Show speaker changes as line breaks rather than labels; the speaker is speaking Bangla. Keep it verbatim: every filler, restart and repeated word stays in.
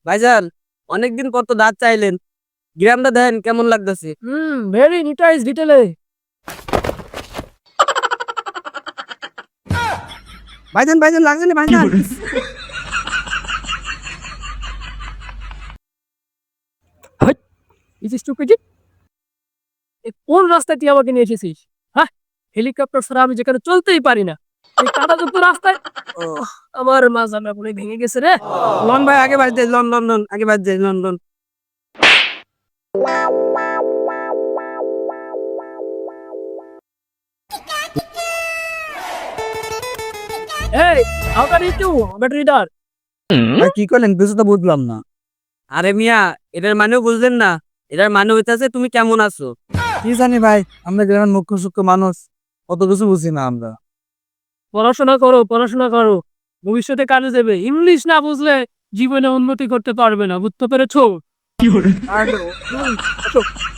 ভাইজান, অনেকদিন পর তো দাঁত চাইলেন। গ্রামটা দেখেন কেমন লাগতেছে।
হুম, ভেরি নিটাইস ডিটেলে।
ভাইজান ভাইজান লাগছে না ভাইজান।
Hot, is stupid. কোন রাস্তায় তুই আমাকে নিয়ে এসেছিস? হ্যাঁ, হেলিকপ্টার ছাড়া আমি যেখানে চলতেই পারি না। এই কাদা যুক্ত রাস্তায় ওহ, আমার মাজাটা পুরো ভেঙে গেছে রে।
লন ভাই আগে বাজ দে, লন লন লন আগে বাজ দে, লন লন।
এই, how can you do battery ডার?
ভাই কি করলেন কিছু তো বুঝলাম না। আরে মিয়া, এটার মানেও বুঝলেন না? এটার মানে হইতাছে তুমি কেমন আছো। কি জানি ভাই, আমরা গ্রামের মুখ্য সূক্ষ্ম মানুষ, অত কিছু বুঝি না আমরা।
পড়াশোনা করো, পড়াশোনা করো, ভবিষ্যতে কাজে দেবে। ইংলিশ না বুঝলে জীবনে উন্নতি করতে পারবে না, বুঝতে পেরেছো?
আর, হুম, আসো।